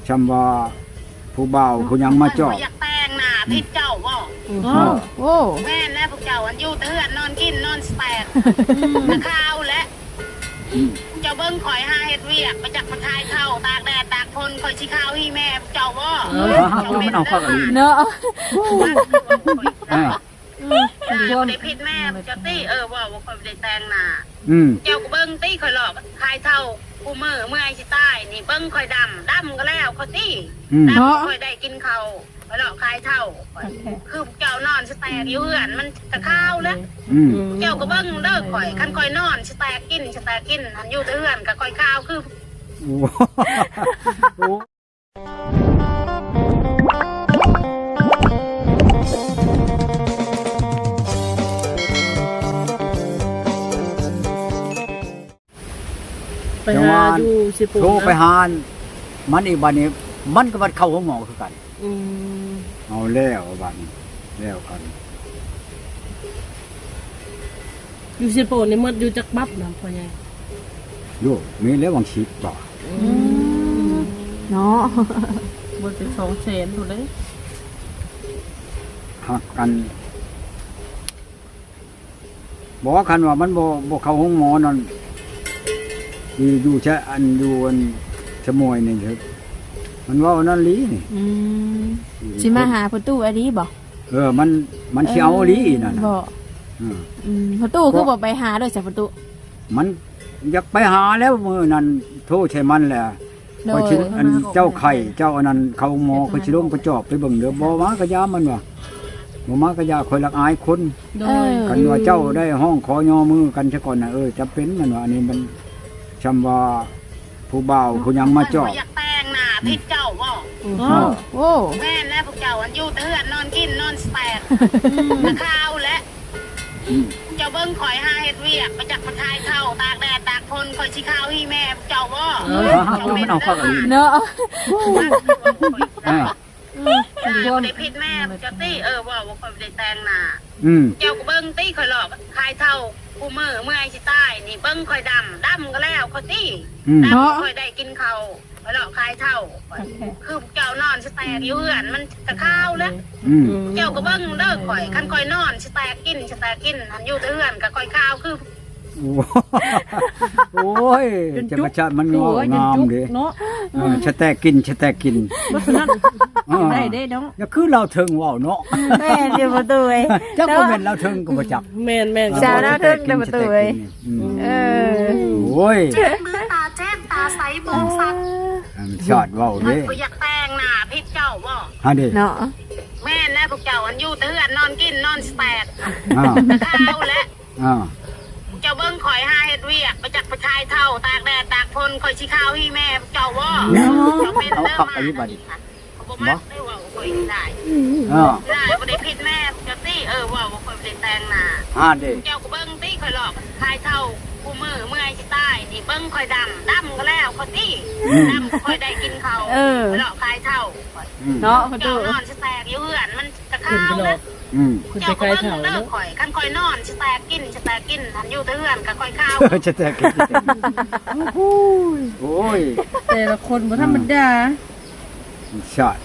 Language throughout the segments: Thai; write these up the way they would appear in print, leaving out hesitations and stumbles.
ชำว่าผู้บ่าวผู้ยังมาจอบอยากแต่งหน้าพิษเจ้าบ่โอ้แม่แน่พวกเจ้าอันอยู่เตือนนอนกินนอนแตกตะข้าวและเจ้าเบิ้งข่อยหาเฮ็ดเวียกไปจักมาทายเข้าตากแดดตากฝนข่อยสิข้าวให้แม่พวกเจ้าบ่มันเอาเข้ากันดีเนาะได้ผิดแม่เจ้าตี้ว่าข่อยได้แต่งหน้าอืมเจ้าก็เบิ้งตี้ข่อยหลอกทายเท่ากูมือเมื่อยสิตายนี่เบิ้งข่อยดำก็แล้วข่อยตี้ดำข่อยได้กินข้าวข่อยหลอกคายเท่าคือเจ้านอนสแตกอยู่เหือนมันตะข้าวแล้วอืมเจ้าก็เบิ้งเลิกข่อยคันข่อยนอนสแตกกินหันอยู่แต่เหือนกับข่อยข้าวคือโอ้ไปหาอยู่สิปูโทรไปหามันอีกบัดนี้มันก็บัดเข้าห้องหมอคือกันเอาแล้วบัดนี้แล้วกันอยู่สิปูนี่หมดอยู่จักบับนำพ่อใหญ่โยมีแล้ววังชีพบ่เนาะบ่เป็น200,000พุ่นเด้หักกันบอกว่าคันว่ามันบ่เข้าห้องหมอนั่นอยู่ใช้อันอยู่อันชะมวยนี่เถอะมันว่านั่นลีนี่สิมาหาประตูอันนี้บ่มันสิเอาลีนั่นน่ะบ่ประตูคือบ่ไปหาด้วยจ้ะประตูมันอยากไปหาแล้วมื้อนั้นโทษใช่มันแหละพอชิอันเจ้าไข่เจ้าอันนั้นเขาหมอเขาสิลงประจอบไปเบิ่งเด้อบ่มากะยามันว่าบ่มากะยาคอยรักอายคนโดยกันว่าเจ้าได้ห้องขอยอมือกันซะก่อนน่ะจำเป็นมันว่าอันนี้มันชำว่าผู้บ่าวผู้ยังมาจอบอยากแต่งหน้าพิษเจ้าบ่โอ้แม่แน่พวกเจ้าอันอยู่แต่เหือนนอนกินนอนแตกตะข้าวและเจ้าเบิ้งข่อยหาเฮ็ดเวียกไปจักมาทายเข้าตากแดดตากฝนข่อยสิข้าวให้แม่พวกเจ้าบ่มันเอาเข้ากันดีเนาะได้ผิดแม่เจ้าตี้ว่าข่อยได้แต่งหน้าอืมเจ้าก็เบิ้งตี้ข่อยหลอกคายเท่ากูมือเมื่อยสิตายนี่เบิ้งข่อยดำก็แล้วข่อยตี้ดำข่อยได้กินข้าวข่อยหลอกคายเท่าคือเจ้านอนสแตกอยู่เหือนมันตะข้าวแล้วอืมเจ้าก็เบิ้งเลิกข่อยคันข่อยนอนสแตกกินหันอยู่แต่เหือนกับข่อยข้าวคือโอ้ยจะประชามันงามดิเนาะชะแตกินบ่ฉะนั้นได้เด้เนาะอย่าคือเราถึงว่าวเนาะแม่เดี๋ยวประตูเอ้ยจักบ่แม่นเราถึงก็บ่จักแม่นสาวหน้าทึ่งเดี๋ยวประตูเอ้ยโอ้ยมือตาแจ้งตาใสบงสักชอดว่าวมันเด้ก็อยากแต่งหน้าพิษเจ้าบ่ฮะดิเนาะแม่แน่พวกเจ้าอันอยู่แต่เหือนนอนกินนอนแตกอ้าวตะข้าวและอ้าวเจ้าเบิ้งข่อยหาเฮ็ดเวียกไปจักไปทายเท่าตากแดดตากฝนข่อยสิข้าวให้แม่เจ้าบ่เจ้าเป็นเด้อมาบ่มักได้ว่าข่อยได้อ้าวได้บ่ได้ผิดแม่เจ้าตี้ว่าข่อยบ่ได้แต่งหน้าฮะดิเจ้าก็เบิ้งตี้ข่อยหลอกคายเท่ากูมือเมื่อยสิตายนี่เบิ้งข่อยดำก็แล้วข่อยตี้ดำข่อยได้กินข้าวหลอกคายเท่าเนาะประตูเจ้านอนสแตกอยู่เหือนมันตะข้าวแล้วอืมคุณไปเจ้าไกก็ลเบิ้งเฒ่าเลิเนาะกข่อยคันข่อยนอนสแตกกินหันอยู่แต่เหือนกับข่อยข้าวชะแตกินโอ้ยแต่ละคนบ่ธรรมดาชอด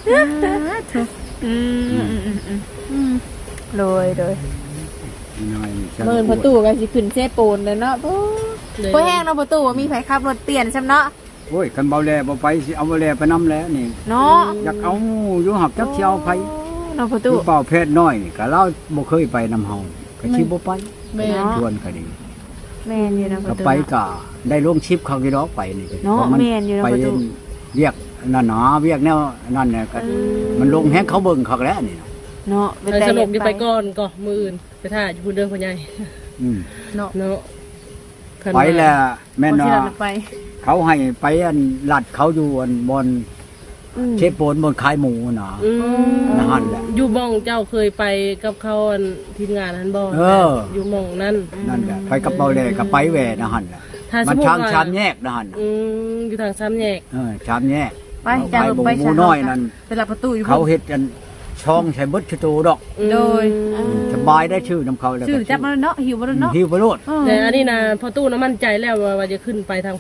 โดยน้อยเมินประตูก็สิขึ้นเซโปนแล้วเนาะบ่แห้งเนาะประตูว่ามีไผขับรถเปลี่ยนซ้ำเนาะโอ้ยคันเบาแลบ่ไปสิเอาเบาแลไปนำแล้วนี่เนาะอยากเอาอยู่หับจักสิเอาไปเนาะประตูคือเป่าเพศน้อยนี่ก็เราบ่เคยไปนำเฮาก็สิบ่ไปแม่นชวนก็ดีแม่นอยู่นะปก็ระตูไปก็ได้ลงชิปเขากี่ดอกไปนี่เนาะพราแม่นอยู่นะไปประตูเรียกนั่นหนาเรียกแนวนั่นเนี่ยก็มันลงแฮงเขาเบิ่งเขาแล้วนี่นะเนาะไปสรุปอยู่ไปก่อนก็มื้ออื่นไปท่าอยู่พุ่นเด้อพ่อใหญ่อืมเนาะเนาะไปแล้วแม่นบ่ว่าสิเราไปเขาให้ไปอันลัดเขาอยู่อันบนเชฟโปนบนขายหมูน่ะ นั่นแหละอยู่หม่องเจ้าเคยไปกับเขาอันทีมงานนั้นบ่ อยู่หม่องนั้นนั่นแหละไปกับเบาแลกับไปแหวนะหั่นแหละถ้าสมัมนมุติช่างว่าชามแยกนะหั่นอยู่ทางซ้ำแยกชามแยกไปจ้าหมูไปหมูน้อยนั่นไปรับประตูอยู่เขาเฮ็ดกันช่องใช้เบิดชะตูดอกโดยสบายได้ชื่อนำเขาแล้วชื่อจับมาเนาะหิวบ่เนาะหิวไปโลดแต่อันนี้นะพอตู้น้ำมั่นใจแล้วว่าจะขึ้นไปทางพุ่น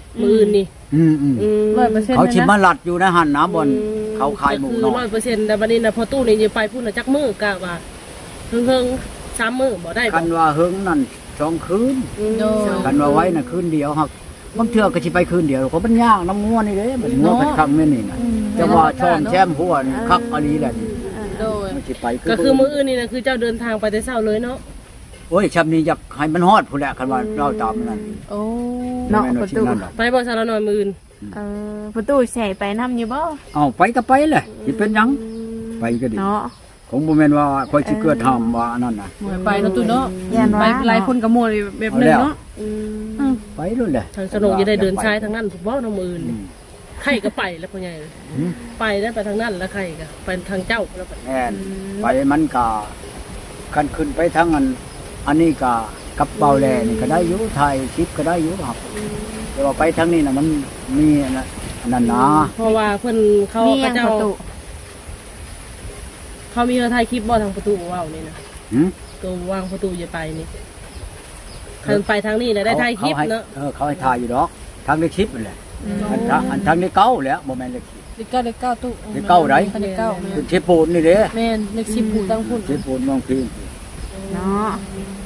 มื้ออื่นนี่อืม 100% เขาชิลยมานะลัดอยู่นะหันนะบนเขาขายหมูคือน้อย 100%แต่บัดนี้น่ะพอตู้นี่จะไปพุ่นน่ะจักมื้อกะว่าเฮิงๆ3มื้อบ่ได้บ่กันว่าเฮิงนั่น2คืนโดยกันว่าไว้น่ะคืนเดียวครับบางเทื่อก็สิไปคืนเดียวเขามันยากน้ำงัวนี่เด้มันงัวเป็นครั้งแม่นี่น่ะแต่ว่าช่อมแช่มหัวนี่คักอลีแหละนี่โดยมันสิไปก็คือมื้ออื่นนี่น่ะคือเจ้าเดินทางไปแต่เช้าเลยเนาะโอ้ยชำนี้อยากให้มันฮอดพุ่นแหละคันว่าเราตามนั่นโอ้เนาะประตูไปบ่ซะละหน่อยมื้ออื่นประตูใส่ไปนำอยู่บ่เอาไปก็ไปเลยสิเป็นหยังไปก็ดีเนาะของบ่แม่นว่าคอยสิเกิดทำว่าอันนั้นน่ะหมวยไปเนาะตู้เนาะย่านไปว่าหลายคนกับหมวยแบบนึงเนาะไปนู่นแหละทางสนุกจะได้เดินชายทางนั้นถูกบ่น้องมื้ออื่นอืมไข่ก็ไปแล้วพ่อใหญ่อืมไปได้ไปทางนั้นแล้วไข่ก็ไปทางเจ้าแล้วไปแม่นไปมันก็คันขึ้นไปทางอันนี้ก็กับเบาแลนี่ก็ได้อยู่ไทยชิปก็ได้อยู่ครับแต่ว่าไปทางนี้น่ะมันมีอันนั้นนะเพราะว่าเพิ่นเขามีหเขายังเจ้าประตูเขามีถ่ายคลิปบ่ทางประตูว้าวนี่นะหืมตัววางประตูจะไปนี่คันไปทางนี้น่ะได้ถ่ายคลิปเขาให้เนาะเขาให้ถ่ายอยู่ดอกทางในคลิปนั่นแหละอันทางในเก้าแหล้วบ่แม่นเลขคลิปเลข9ตู้เลขเก้าไหนเลขเก้าเป็นเชฟปูนนี่เด้แม่นเลข10ผู้ตั้งพุ่นเชฟปูนน้องพีนเนาะ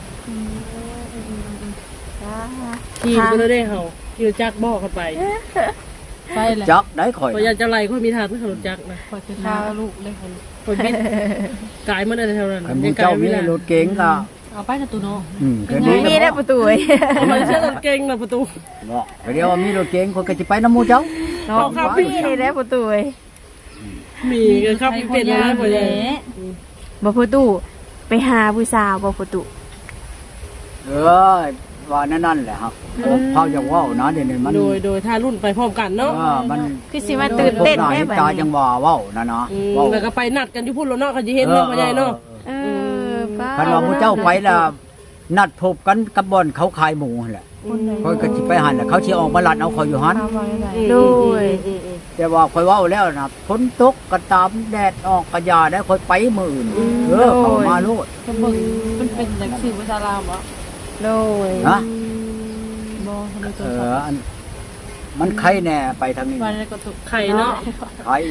ขี่ก็เลยได้เฮาขี่รถจักรบ่กันไปไปแหละจักได้ข่อยพอยากจะไล่คนมีทางเพื่อขับรถจักรนะพอจะฆ่าลูกเลยคนบิดกายมันอะไรเท่านั้นคันหมู่เจ้ามีรถเก๋งก็เอาไปนะตูโน่ก็ดีมีได้ประตูเว้ยทำไมเชื่อรถเก่งนะประตูบ่ก็เดี๋ยวว่ามีรถเก๋งคนก็สิไปนำหมู่เจ้าเนาะมีได้ประตูเว้ยมีกันครับเป็นอะไรพอใหญ่บ่ประตูไปหาผู้สาวบ่ประตูว่านั่นแหละครับเฮาอยากเว้านะเดี๋ยวนี้มันโดยถ้ารุ่นไปพร้อมกันเนาะมันคือสิมาตื่นเต้นพวกแม่หาบัดตานี้จังว่าเว้านะนะเว้าแล้วก็ไปนัดกันอยู่พุ่นแล้วเนาะเขาจะเห็นเนาะพอใหญ่เนาะป้าคันว่าหมู่เจ้าไปแล้วนัดพบกันกับบ่อนเขาขายหมูนั่นแหละค่อยก็สิไปหันแหละเขาสิออกมาลัดเอาเขาอยู่หันโดยแต่ว่าค่อยเว้าแล้วนะฝนตกก็ตามแดดออกก็อย่าได้ค่อยไปมื้ออื่นเข้ามาโลดก็เบิ่งมันเป็นหนังสือภาษาลาวบ่โดยฮะบ่ทำไมตัวอันมันไข่แน่ไปทางนี้วันนี้ก็ตุกไข่เนาะไข่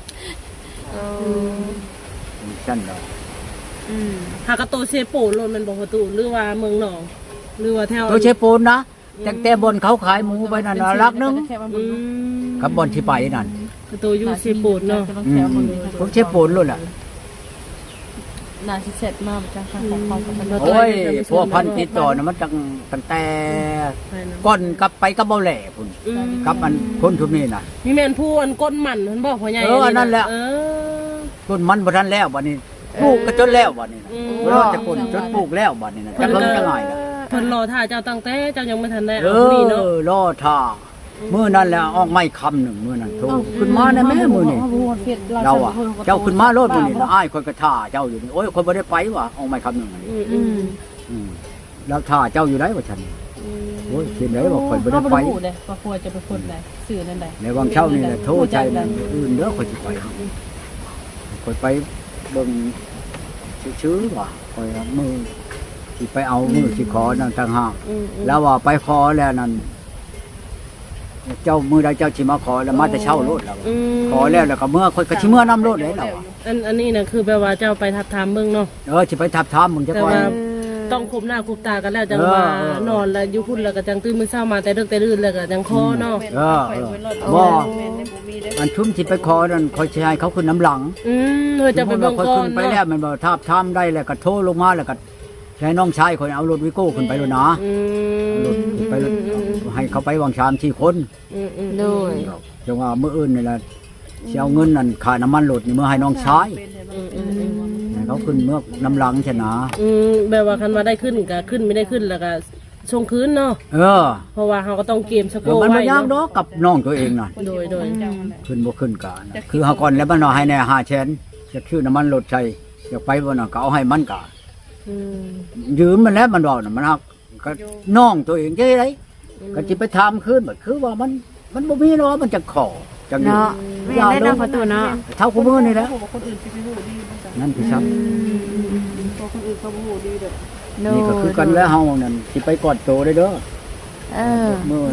ชั้นเนาะหากระโตเซโปโลนมันบอกประตูหรือว่าเมืองหนองหรือว่าแถวตัวเชฟปูนนะแต่แต่บนเขาขายหมูไปนั่นน่ะรักนึงอืมกับบนที่ไปนั่นกระโตอยู่เซโปเนาะพวกเชฟปูนรุ่นล่ะน่าสิเสร็จมากจังค่ะของโอ้ยพวกพันติดต่อนะมันตั้งแต่ก้อนกลับไปกับเบาแหล่พุ่นกับมันคนทุกนี้น่ะมีแม่นผู้อันก้นหมันเพิ่นบอกพ่อใหญ่อันนั้นแหละเออต้นมันบ่ทันแล้วบัดนี้ปลูกก็จนแล้วบัดนี้นะรอดจะคนจนปลูกแล้วบัดนี้นะจะเพิ่งจะง่ายนะเพิ่นรอท่าเจ้าตั้งแต่เจ้ายังไม่ทันได้เอเอาผู้นี้เนาะอรอท่ามื้อนั้นแหละออกไม้คำหนึ่งมื้อนั้นโทรขึ้นมาได้แม่มื้อนี้เราอ่ะเจ้าขึ้นมาโลดมื้อนี้นะอ้ายคนก็ท่าเจ้าอยู่นี่โอ้ยคนบ่ได้ไปว่ะออกไม้คำหนึ่งอันนี้ แล้วท่าเจ้าอยู่ไหนวะฉันโอ้ยเขียนไหนบอกข่อยบ่ได้ไปเลยว่าควรจะเป็นคนใดสื่อนั่นใดในวังเช่านี่แหละโทษใจมันอื่นเด้อข่อยสิไปข่อยไปเบิ่งชื่อๆว่ะข่อยเอามือสิไปเอามือสิขอนั่นต่างหากแล้วว่าไปขอแล้วนั่นเจ้ามือใดเจ้าสิมาขอแล้วมาแต่เช่าโลดแล้วขอแล้วก็เมื่อข่อยก็สิเมื่อนำโลดเลยแล้วอันนี้นะคือแปลว่าเจ้าไปทับทามเมืองเนาะสิไปทับทามมึงจะแต่ก่อนว่าต้องคุบหน้าคุบตากันแล้วจังว่านอนแล้วอยู่พุ่นแล้วก็จังตื่นมื้อเช้ามาแต่เดึกแต่ลื่นแล้วก็จังคอเนาะบ่อันชุ่มสิไปขอนั่นข่อยสิให้เขาขึ้นน้ำหลังเออจะไปเบิ่งค่อยก่อขึ้นนไปแล้วมันบอกทับทามได้แล้วก็โทรลงมาแล้วก็ให้น้องชายคนเอารถวิโก้ขึ้นไปแล้วนะรถขึ้นไปแล้วให้เขาไปวางชาม4 คนโดยจังว่ามื้ออื่นนี่แหละสิเอาเงินนั่นค่าน้ำมันรถนี่มื้อให้น้องชายให้เขาขึ้นเมื่อน้ำหลังชนะแบบว่าคันว่าได้ขึ้นก็ขึ้นไม่ได้ขึ้นแล้วก็ส่งคืนเนาะ เพราะว่าเขาก็ต้องเกมสโกมันไว้บ่ยากดอกกับน้องตัวเองน่ะโดยขึ้นบ่ขึ้นกะคือเฮาก่อนแล้วมันเอาให้แน่5แสนจะชื่อน้ำมันรถใช้อยากไปบ่น่ะก็เอาให้มันกะยืมมันแล้วมันบอกน่ะมันฮักก็น้องตัวเองจังได๋ก็สิไปถามคืนบัดคือว่ามันบ่มีเนาะมันจะขอจังนี้เนาะไม่ได้นำประตูเนาะเท่าคู่มือนี่แหละคนอื่นสิไปฮู้ดีบ่จ้ะนั่นคือครับเพราะคนอื่นเขาบ่ฮู้ดีเด้อโดนี่ก็คือย กันแล้วเฮานั่นสิไปกอดโตได้เด้อเออมื้อ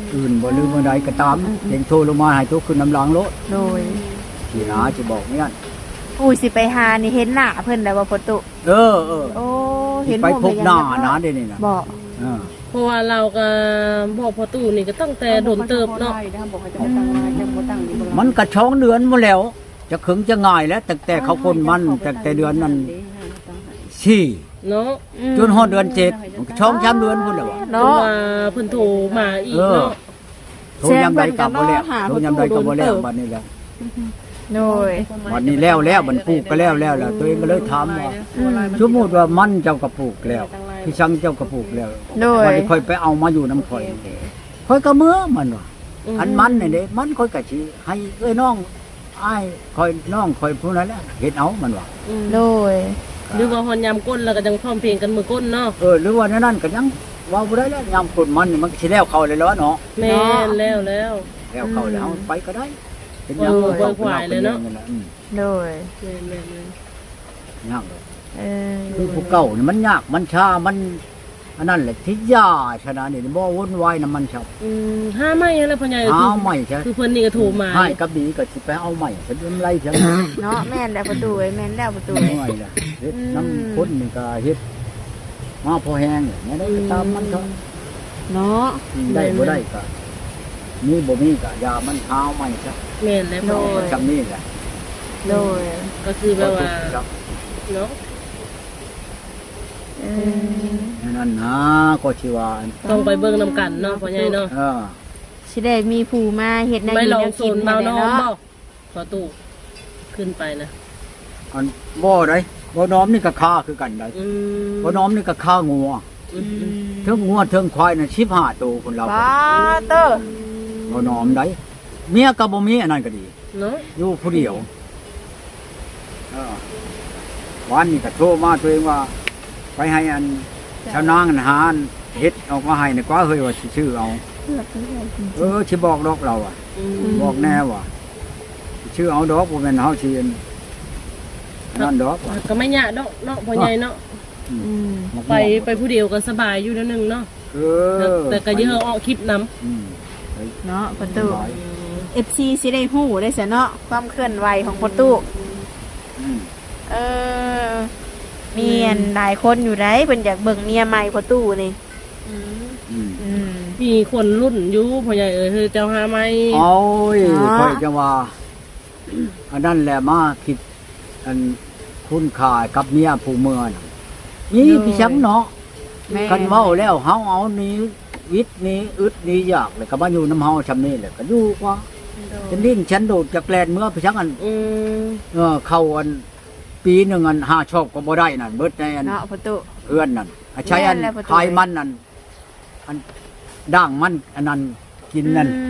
อื่นบ่ลืมบ่ใดก็ตามเองโทรลงมาให้ทุกขึ้นน้ำล้างรถโดยสิหาสิบอกเนี่ยอุ้ยสิไปหานี่เห็นหน้าเพิ่นได้บ่ประตูเออโอ้เห็นไปพบหน้าผมนะเดี๋ยวนี้นะบ่เออเพราะว่าเราก็บอกพอตู้นี่ก็ตั้งแต่โดนเติบเนาะมันก็ช่องเดือนมาแล้ว จะขึงจะง่ายแล้วแต่เขาคนมันแต่เดือนนั้นสี่เนาะจนฮอดเดือน7มันก็ช่องช้ำเดือนพุ่นแล้วเพราะเนาะว่าเพิ่นโทรมาอีกเนาะโทรยามใดกลับบ่แล้วโทรยามใดก็บ่แล้วบัดนี้แล้วโดยบัดนี้แล้วมันปลูกก็แล้วล่ะตัวเองก็เลยถามว่าสมมุติว่ามันเจ้าก็ปลูกแล้วพี่ชังเจ้าก็ปลูกแล้วโดยวันนี้ค่อยไปเอามาอยู่น้ำข่อยค่อยก็เมื่อมันว่าอันมันนี่เด้มันค่อยก็สิให้เอ้ยน้องอ้ายค่อยน้องค่อยผู้นั้นแหละเฮ็ดเอามันว่าโดยหรือว่าฮอนยามก้นแล้วก็จังพร้อมเพรียงกันมือก้นเนาะหรือว่านั่นก็ยังเว้าบ่ได้แล้วยามกดมันนี่มันก็สิแล้วเข้าเลยแล้วเนาะแม่นแล้วแล้วเข้าแล้วเอาไปก็ได้เป็นหยังเบิ่งขวายเลยเนาะโดยแม่นยากเลยเออคือผู้เก่านี่มันยากมันช้ามันอันนั้นแหละที่ยาชนะนี่บ่วุ่นวายนํมันชอบห้าไม่อะไรพ่อใหญ่หาใหม่ใช่คือเพิ่นนี่ก็โทรมาให้กับดีก็สิไปเอาใหม่เป็นไรจังเนาะแม่นแล้วประตูเอ้ยแม่นแล้วประตูเมื่อยล่ะเฮ็ดน้ำพ้นนี่ก็เฮ็ดมาพอแห้งเนี่ยได้ก็ตามมันเถอะเนาะได้บ่ได้ก็มีบ่มีก็ยามันหาใหม่ซะแม่นแล้วพ่อจำนี่แหละโดยก็คือแบบว่าเนาะเออนั่นนะก็สิว่าต้องไปเบิ่งนำกันเนาะพ่อใหญ่เนาะสิได้มีผู้มาเฮ็ดแนวไม่อยู่ลองแนวโซกินนให้เบาได้น้องเนาะบ่ขอตู้ขึ้นไปนะอันบ่ได้บ่น้อมนี่ก็ค่าคือกันได้บ่น้อมนี่ก็ค่างัวเทิงงัวเทิงควายน่ะ15ตัวคนเราป้าเตอร์บ่น้อมได้เมียก็บ่มีอันนั้นก็ดีเนาะอยู่ผู้เดียววันนี้ก็โทรมาตัวเองว่า ไปให้อันชาวนางหารเฮ็ดออกมาให้นี่กว่าเฮ้ยว่าสิชื่อเอาสิบอกดอกเราอ่ะบอกแน่ว่าชื่อเอาดอกบ่แม่นเฮาสินั่นดอกว่ะก็ไม่ยากเนาะเนาะพ่อใหญ่เนาะไปผู้เดียวก็สบายอยู่แล้วนึงเนาะแต่ก็เยอะออกคลิปนำเนาะประตู FC สิได้ฮู้ได้ซะเนาะความเคลื่อนไหวของประตู เออเมียนหลายคนอยู่ได้เพิ่นอยากเบิ่งเมียใหม่ประตูนี่มีคนรุ่นอยู่พ่อใหญ่เฮ้ยเจ้าหาไหมโอ้ยค่อยจะว่าอันนั้นแหละมาคิดอันคุณค่ากับเมียผู้เมืองนี่พี่ช้ำเนาะกันเว้าแล้วเฮาเอานี้วิทย์นี้อึดนี้ยากเลยก็มาอยู่น้ำเฮาชำนี้แหละก็อยู่ว่าจะดิ้นฉันโดดจากแลนเมื่อพี่ช้ำอันเข้าอันปีหนึ่งอัน5ชอบก็บ่ได้นั่นเบิดในอันเนาะประตูเพื่อนนั่นใช้อันคายมันนั่นอันด่างมันอันนั้นกินนั่น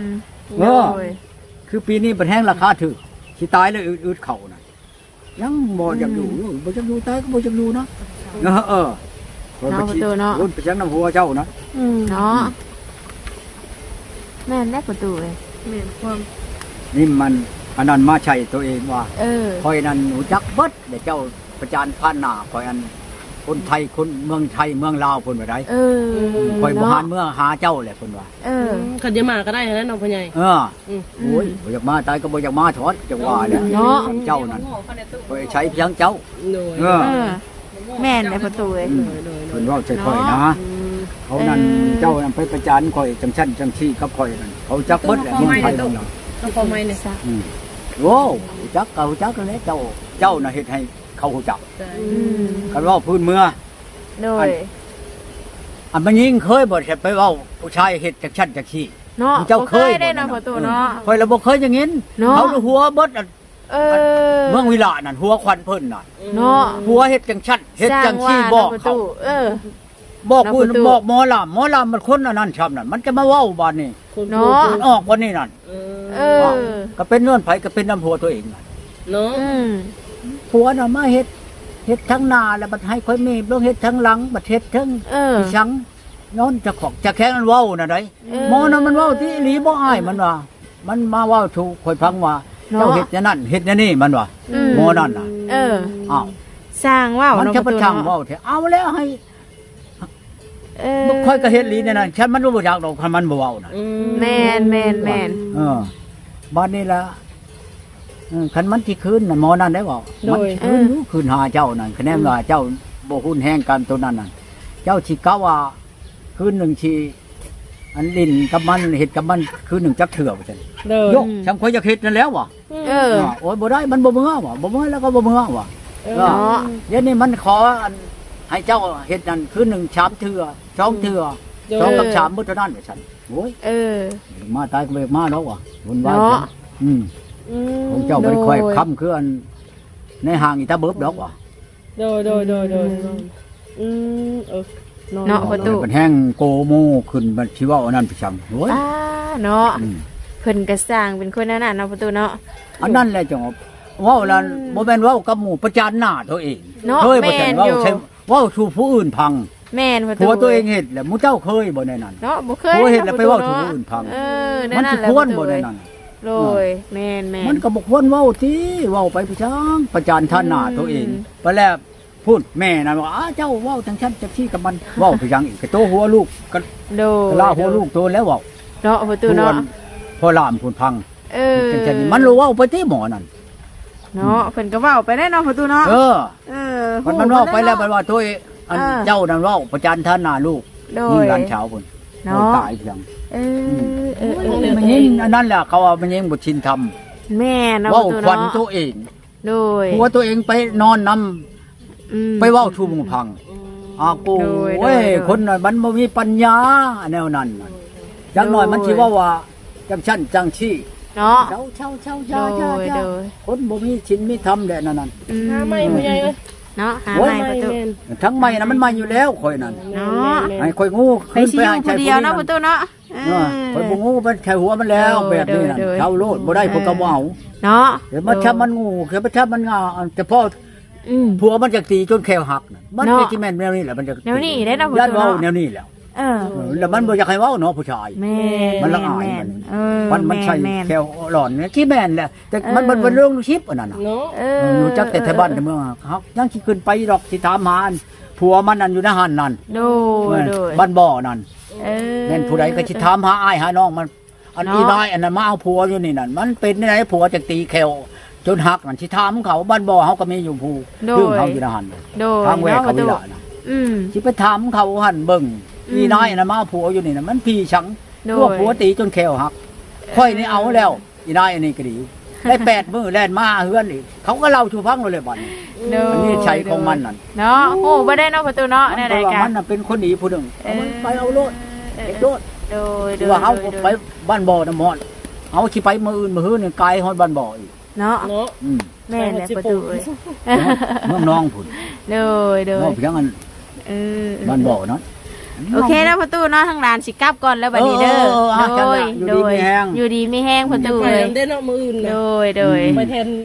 คือปีนี้เป็นแห้งราคาถูกสิตายแล้วอึดเข่าน่ะยังบ่อยากอยู่บ่อยากอยู่ตายก็บ่อยากอยู่นะเนาะประตูเนาะรุ่นไปจังน้ำหัวเจ้านะเนาะแม่นได้ประตูเลยแม่นความนี่มันอันนั้นมาใช้ตัวเองว่าคอยนั้นหูจักเบิดเดี๋ยวเจ้าประจานผ่านหน้าคอยอันคนไทยคนเมืองไทยเมืองลาวเพิ่นว่าได้คอยบ่หานเมืองหาเจ้าแหละเพิ่นว่าคันจะมาก็ได้นะน้องพ่อใหญ่โอ้ยบ่อยากมาตายก็บ่อยากมาถอดจังว่าเนี่ยเจ้านั่นคอยใช้เพียงเจ้าแม่นได้ประตูเลยเพิ่นเว้าใจค่อยนะเขานั่นเจ้านั่นไปประจานคอยจังชั้นจังซี่กับคอยนั่นเขาจักเบิดแหละเมืองไทยเมืองลาวต้องพอไหมเนี่ยซะโว้จักเขาจักแล้วเจ้าน่ะเฮ็ดให้เขาฮู้จักคันว่าพื้นเมืองโดยอันมันยิงเคยบ่ใช่ไปเว้าผู้ชายเฮ็ดจักชั้นจักซี่เนาะเจ้าเคยได้นะประตูเนาะค่อยละบ่เคยอย่างงี้เขาหัวเบิดเมืองวิลานั่นหัวควันเพิ่นน่ะเนาะหัวเฮ็ดจังชั้นเฮ็ดจังซี่บอกเขาบอกพื้นบอกหมอลำมันคนอันนั้นชำนั่นมันจะมาเว้าบาดนี้เนาะออกวันนี้นั่นก็เป็นเงื่อนไผก็เป็นน้ำผัวตัวเองน่ะเนาะผัวน่ะมาเฮ็ดทั้งหน้าแล้วบัดให้ค่อยมีลงเฮ็ดทั้งหลังบัดเฮ็ดทั้งชังย้อนจะขอกจะแข้งมันเว้าน่ะได้หมอน่ะมันเว้าที่อีหลีบ่อายมันว่ามันมาเว้าถูกค่อยฟังว่าเจ้าเฮ็ดอย่างนั้นเฮ็ดอย่างนี้มันว่าหมอนั่นน่ะอ้าวสร้างเว้ามันจะประชังเว้าแท้เอาแล้วให้ค่อยก็เฮ็ดลีเนี่ยนะฉันมันบ่อยากดอกคันมันบ่เว้าน่ะแม่นบ้านนี้ละคันมันที่คืนน่ะหมอนั่นได้บ่มันคืนอยู่คืนหาเจ้านั่นคะแนนว่าเจ้าบ่หุ้นแห้งกันตัวนั้นน่ะเจ้าสิกะว่าคืนหนึงสิอันลิ้นกับมันเฮ็ดกับมันคืนหนึงจักเถื่อว่าซั่นยกฉันค่อยจะเฮ็ดนั่นแล้วว่ะโอ้ยบ่ได้มันบ่เมื่อว่ะบ่เมื่อแล้วก็บ่เมื่อว่ะเนาะเดี๋ยวนี้มันขอให้เจ้าเฮ็ดนั่นคืนหนึง3เถื่อ2เถื่อ2กับ3บ่เท่านั้นว่าซั่นโอ้ยมาตายก็บ่มาแล้วว่ะวุ่นวายของเจ้าบ่ได้ค่อยค้ำคืออันในห้างอีตาเบิบดอกว่ะโดยเนาะประตูมันแห้งโกโมขึ้นมันสิเว้าอันนั้นไปจังโอ้ยเนาะเพิ่นก็สร้างเป็นคนนั้นน่ะเนาะประตูเนาะอันนั้นแหละจังเว้านั้นบ่แม่นเว้ากับหมู่ประจานหน้าตัวเองเคยบ่แต่เว้าใช่เว้าสู่ผู้อื่นพังแม่นประตูผัวตัวเองเฮ็ดแหละหมู่เจ้าเคยบ่ในนั้นเนาะบ่เคยผัวเฮ็ดแล้วไปเว้าสู่ผู้อื่นพังมันสิควรบ่ในนั้นโดยแม่นมันก็บ่ควรเว้าติเว้าไปประจังประจานท่านหน้าตัวเองไปแล้วพูดแม่นั่นว่าเจ้าเว้าจังซั่นจังซี่กับมันเว้าไปจังอีกก็โตหัวลูกก็โดยลาหัวลูกโตแล้วเว้าเนาะประตูเนาะพอลามพูนพังจังๆมันรู้เว้าไปติหมอนั่นเนาะเพิ่นก็เว้าไปได้เนาะประตูเนาะมันเว้าไปแล้วว่าตัวอันเจ้านั่นเว้าประจานท่านหน้าลูกนี่หลานเช้าพุ่นเนาะตายเพียงมันยิงอันนั้นแหละเขาว่ามันยิงบ่ชินทำแม่เนาะเว้าขวัญตัวเองโดยหัวตัวเองไปนอนนำไปเว้าชูหมู่พังกูเว้ยคนน่ะมันบ่มีปัญญาแนวนั้นจังหน่อยมันสิว่าจังชั้นจังชี้เนาะเช่าคนบ่มีศีลมีธรรมแหละนั่นหาใหม่ผู้ใหญ่เอ้ยเนาะหาใหม่ประตูทั้งใหม่น่ะมันใหม่อยู่แล้วข่อยนั่นเนาะให้ข่อยงูขึ้นไปให้ใจผู้เดียวเนาะประตูเนาะข่อยบ่งูมันแค่หัวมันแล้วแบบนี้น่ะเท่าโลดบ่ได้พวกก็บ่เอาเนาะเดี๋ยวมันชับมันงูเดี๋ยวมันชับมันงาแต่พอผัวมันจะตีจนแขวหักมันเป็นที่แม่นแนวนี้แหละมันจะแนวนี้ได้เนาะญาติเว้าแนวนี้แล้วแล้วมันบ่อยากให้เว้าเนาะผู้ชายมันละอายมันใช่แขวหลอนเนี่ยที่แม่นแหละแต่มันเป็นเรื่องชิปอันนั้นน่ะรู้จักแต่ไทบ้านแต่เมืองเฮายังสิขึ้นไปดอกสิถามหาผัวมันนั่นอยู่ในหันนั่นบ้านบ่อนั่นแม่นผู้ใดก็สิถามหาอ้ายหาน้องมันอันนี้ได้อันนั้นมาเอาผัวอยู่นี่นั่นมันเป็นไหนผัวจะตีแขวจนหักนั่นสิถามเขาบ้านบ่อเฮาก็มีอยู่ผู้เรื่องเฮาอยู่ในหันทางแวกเขาวิลาน่ะสิไปถามเขาหันเบิ่งอีน้อยน่ะมาผัวอยู่นี่น่ะมันพี่ชังพวกผัวตีจนแขวหักค่อยนี่เอาแล้วอีน้อยอันนี้ก็ดีได้8มื้อแล่นมาเฮือนอีกเขาก็เล่าสู่ฟังเลยบัดนี้อันนี้ใช้ของมันนั่นเนาะโอ้บ่ได้เนาะประตูเนาะแน่ๆกันมันน่ะเป็นคนดีผู้นึงมันไปเอาโลดโลดโดยว่าเฮาไปบ้านบ่อน้ำมอดเอาสิไปมื้ออื่นมื้อฮื้อนี่ไกลฮอดบ้านบ่ออีกเนาะแม่นแหละประตูเอ้ยเมืองน้องพุ่นโดยเนาะเพียงอันบ้านบ่อเนาะโอเคแล้วประตูเนาะทางร้านสิกลับก่อนแล้วบัดนี้เด้อโดยอยู่ดีมีแห้งประตูเลยได้เนาะมื้ออื่นโดยไปแทน